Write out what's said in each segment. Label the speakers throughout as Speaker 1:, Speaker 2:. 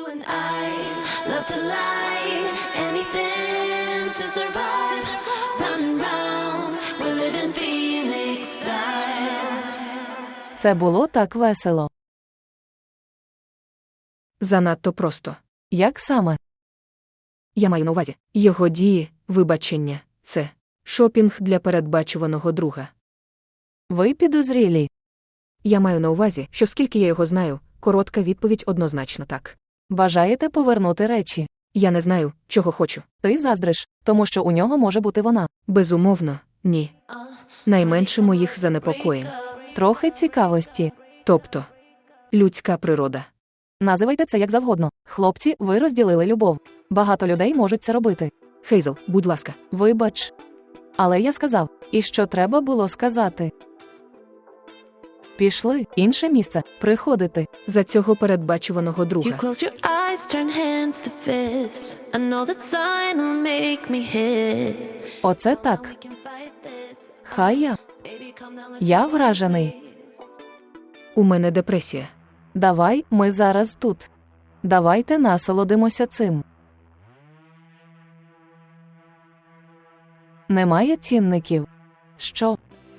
Speaker 1: and I love to lie, anything to survive. Round and round, we live in Phoenix style.
Speaker 2: Це було так весело.
Speaker 3: Занадто просто.
Speaker 2: Як саме?
Speaker 3: Я маю на увазі. Його дії, вибачення – це шопінг для передбачуваного друга.
Speaker 2: Ви підозрілі.
Speaker 3: Я маю на увазі, що скільки я його знаю, коротка відповідь однозначно так.
Speaker 2: Бажаєте повернути речі?
Speaker 3: Я не знаю, чого хочу.
Speaker 2: Ти заздриш, тому що у нього може бути вона.
Speaker 3: Безумовно, ні. Найменше моїх занепокоєнь.
Speaker 2: Трохи цікавості.
Speaker 3: Тобто, людська природа.
Speaker 2: Називайте це як завгодно. Хлопці, ви розділили любов. Багато людей можуть це робити.
Speaker 3: Хейзл, будь ласка.
Speaker 2: Вибач. Але я сказав, і що треба було сказати. Пішли, інше місце, приходити.
Speaker 3: За цього передбачуваного
Speaker 1: You
Speaker 3: друга.
Speaker 1: close your eyes, turn hands to fists. I know that sign will make me hit.
Speaker 2: Оце так.
Speaker 1: We can fight this.
Speaker 2: Хай я.
Speaker 1: Baby, come down, let's
Speaker 2: Я вражений.
Speaker 3: У мене депресія.
Speaker 2: Давай, ми зараз тут. Давайте насолодимося цим. Немає цінників. Що?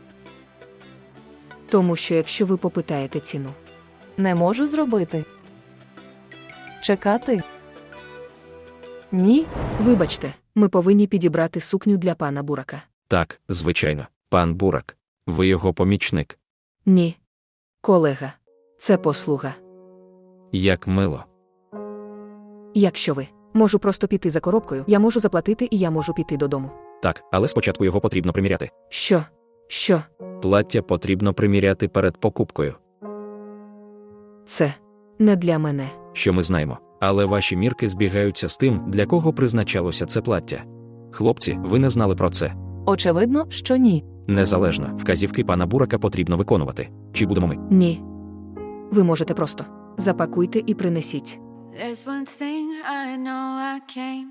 Speaker 3: Тому що якщо ви попитаєте ціну.
Speaker 2: Не можу зробити. Чекати? Ні.
Speaker 3: Вибачте, ми повинні підібрати сукню для пана Бурака.
Speaker 4: Так, звичайно, пан Бурак. Ви його помічник.
Speaker 3: Ні. Колега. Це послуга.
Speaker 4: Як мило.
Speaker 3: Якщо ви. Можу просто піти за коробкою, я можу заплатити і я можу піти додому.
Speaker 4: Так, але спочатку його потрібно приміряти.
Speaker 3: Що? Що?
Speaker 4: Плаття потрібно приміряти перед покупкою.
Speaker 3: Це не для мене.
Speaker 4: Що ми знаємо. Але ваші мірки збігаються з тим, для кого призначалося це плаття. Хлопці, ви не знали про це.
Speaker 2: Очевидно, що ні.
Speaker 4: Незалежно, вказівки пана Бурака потрібно виконувати. Чи будемо ми?
Speaker 3: Ні. Ви можете просто. Запакуйте і принесіть.
Speaker 5: There's one thing I know I came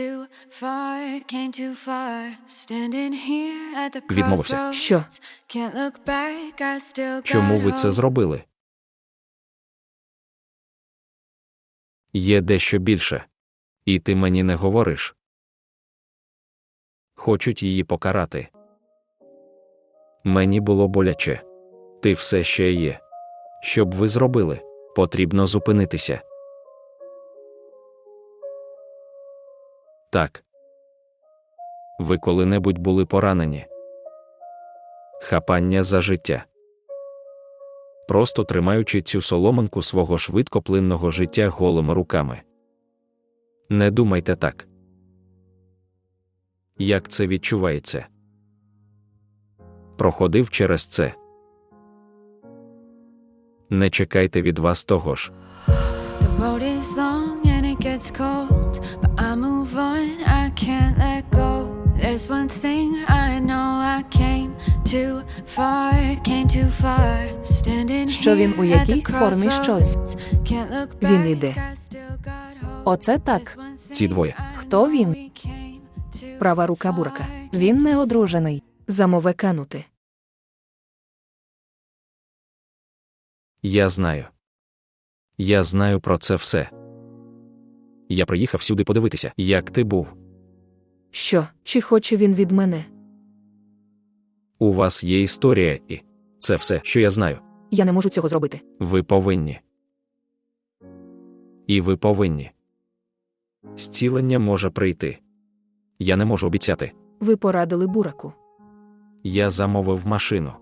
Speaker 5: too far, standing here at the
Speaker 4: Відмовився.
Speaker 5: crossroads.
Speaker 3: Що?
Speaker 5: Can't look back, I still got
Speaker 4: Чому ви це
Speaker 5: hope.
Speaker 4: зробили? Є дещо більше. І ти мені не говориш. Хочуть її покарати. Мені було боляче. Ти все ще є. Що б ви зробили? Потрібно зупинитися. Так. Ви коли-небудь були поранені? Хапання за життя. Просто тримаючи цю соломинку свого швидкоплинного життя голими руками. Не думайте так. Як це відчувається? Проходив через це. Не чекайте від вас того ж.
Speaker 5: The road is long and it gets cold, but I move on, I can't let go. There's one thing I know I came too far, standing
Speaker 2: Що він у
Speaker 5: here at the
Speaker 2: якійсь формі щось.
Speaker 5: crossroads. Can't look
Speaker 3: Він
Speaker 5: back,
Speaker 3: іде.
Speaker 5: I still got hope.
Speaker 2: Оце так.
Speaker 5: There's one
Speaker 4: Ці
Speaker 5: thing
Speaker 4: двоє.
Speaker 5: I
Speaker 2: Хто він?
Speaker 5: know we came too
Speaker 3: Права рука Бурака.
Speaker 5: far.
Speaker 2: Він не одружений.
Speaker 3: Замове канути.
Speaker 4: Я знаю. Я знаю про це все. Я приїхав сюди подивитися, як ти був.
Speaker 3: Що? Чи хоче він від мене?
Speaker 4: У вас є історія і... Це все, що я знаю.
Speaker 3: Я не можу цього зробити.
Speaker 4: Ви повинні. І ви повинні. Зцілення може прийти. Я не можу обіцяти.
Speaker 3: Ви порадили Бураку.
Speaker 4: Я замовив машину.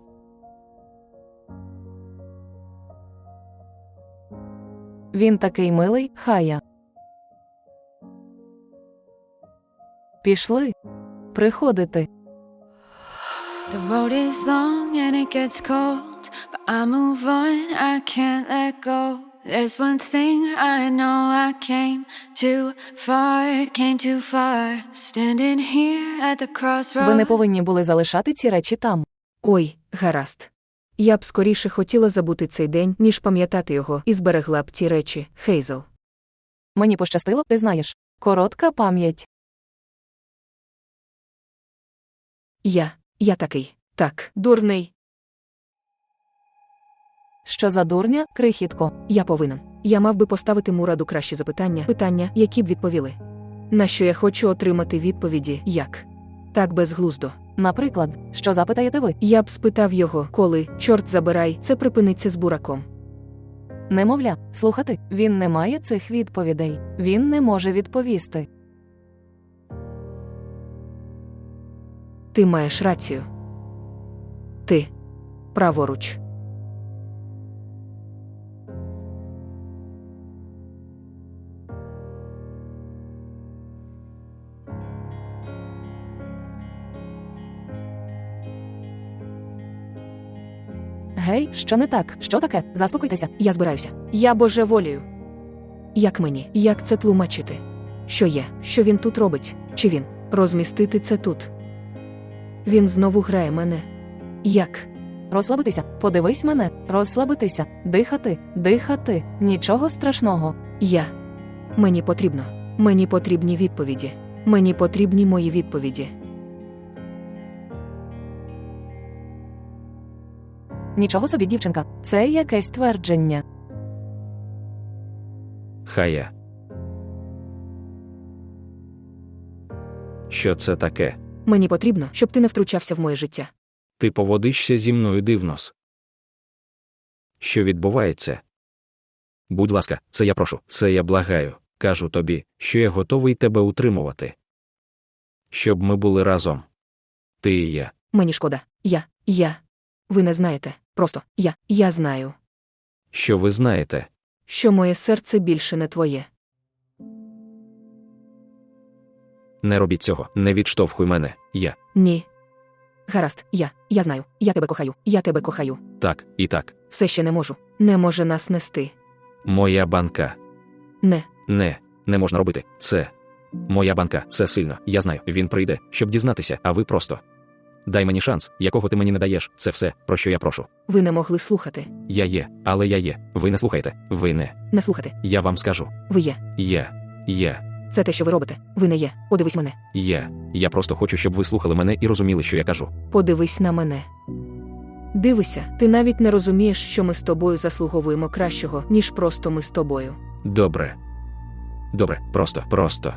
Speaker 2: Він такий милий, Хая. Пішли. Приходити.
Speaker 5: The road is long and it gets cold, but I move on, I can't let go. There's one thing I know I came too far, standing here at the
Speaker 2: Ви не
Speaker 5: crossroads.
Speaker 2: повинні були залишати ці речі там.
Speaker 3: Ой, гаразд. Я б скоріше хотіла забути цей день, ніж пам'ятати його, і зберегла б ті речі, Хейзл.
Speaker 2: Мені пощастило, ти знаєш. Коротка пам'ять.
Speaker 3: Я такий. Так, дурний.
Speaker 2: Що за дурня, крихітко?
Speaker 3: Я повинен. Я мав би поставити Мураду кращі питання, які б відповіли. На що я хочу отримати відповіді, як? Так безглуздо.
Speaker 2: Наприклад, що запитаєте ви?
Speaker 3: Я б спитав його, коли, чорт забирай, це припиниться з бураком.
Speaker 2: Немовля, слухати, він не має цих відповідей. Він не може відповісти.
Speaker 3: Ти маєш рацію. Ти. Праворуч.
Speaker 2: Гей, що не так? Що таке? Заспокойтеся.
Speaker 3: Я збираюся. Я божеволію. Як мені? Як це тлумачити? Що є? Що він тут робить? Чи він? Розмістити це тут? Він знову грає мене. Як?
Speaker 2: Розслабитися. Подивись мене. Розслабитися. Дихати. Дихати. Нічого страшного.
Speaker 3: Мені потрібно. Мені потрібні відповіді. Мені потрібні мої відповіді.
Speaker 2: Нічого собі, дівчинка. Це якесь твердження.
Speaker 4: Хая. Що це таке?
Speaker 3: Мені потрібно, щоб ти не втручався в моє життя.
Speaker 4: Ти поводишся зі мною дивнос. Що відбувається? Будь ласка, це я прошу, це я благаю. Кажу тобі, що я готовий тебе утримувати. Щоб ми були разом. Ти і я.
Speaker 3: Мені шкода. Я. Ви не знаєте. Просто я знаю,
Speaker 4: Що ви знаєте?
Speaker 3: що моє серце більше не твоє.
Speaker 4: Не робіть цього, не відштовхуй мене. Я.
Speaker 3: Ні. Гаразд, я знаю. Я тебе кохаю.
Speaker 4: Так, і так.
Speaker 3: Все ще не можу. Не може нас нести.
Speaker 4: Моя банка.
Speaker 3: Не.
Speaker 4: Не можна робити. Це. Моя банка, це сильно. Я знаю, він прийде, щоб дізнатися, а ви просто. Дай мені шанс, якого ти мені не даєш. Це все, про що я прошу.
Speaker 3: Ви не могли слухати.
Speaker 4: Я є, але я є. Ви не слухаєте. Ви не.
Speaker 3: Не слухати.
Speaker 4: Я вам скажу.
Speaker 3: Ви є.
Speaker 4: Я.
Speaker 3: Це те, що ви робите. Ви не є. Подивись мене.
Speaker 4: Я просто хочу, щоб ви слухали мене і розуміли, що я кажу.
Speaker 3: Подивись на мене. Дивися, ти навіть не розумієш, що ми з тобою заслуговуємо кращого, ніж просто ми з тобою.
Speaker 4: Добре, просто.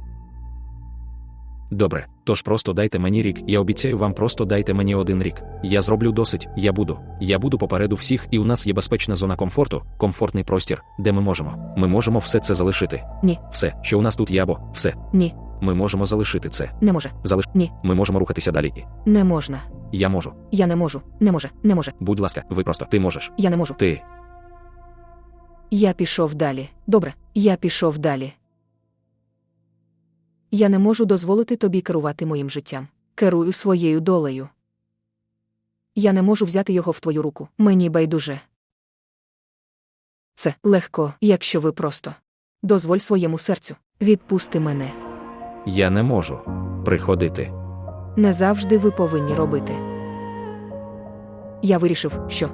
Speaker 4: Добре, тож просто дайте мені рік, я обіцяю вам, просто дайте мені 1 рік. Я зроблю досить, я буду попереду всіх, і у нас є безпечна зона комфорту, комфортний простір, де ми можемо все це залишити.
Speaker 3: Ні.
Speaker 4: Все, що у нас тут є, або все.
Speaker 3: Ні.
Speaker 4: Ми можемо залишити це.
Speaker 3: Не може. Ні.
Speaker 4: Ми можемо рухатися далі.
Speaker 3: Не можна.
Speaker 4: Я можу.
Speaker 3: Я не можу. Не може.
Speaker 4: Будь ласка, ви просто, ти можеш.
Speaker 3: Я не можу.
Speaker 4: Ти.
Speaker 3: Я пішов далі. Добре, я пішов далі. Я не можу дозволити тобі керувати моїм життям. Керую своєю долею. Я не можу взяти його в твою руку. Мені байдуже. Це легко, якщо ви просто. Дозволь своєму серцю. Відпусти мене.
Speaker 4: Я не можу приходити.
Speaker 3: Не завжди ви повинні робити. Я вирішив, що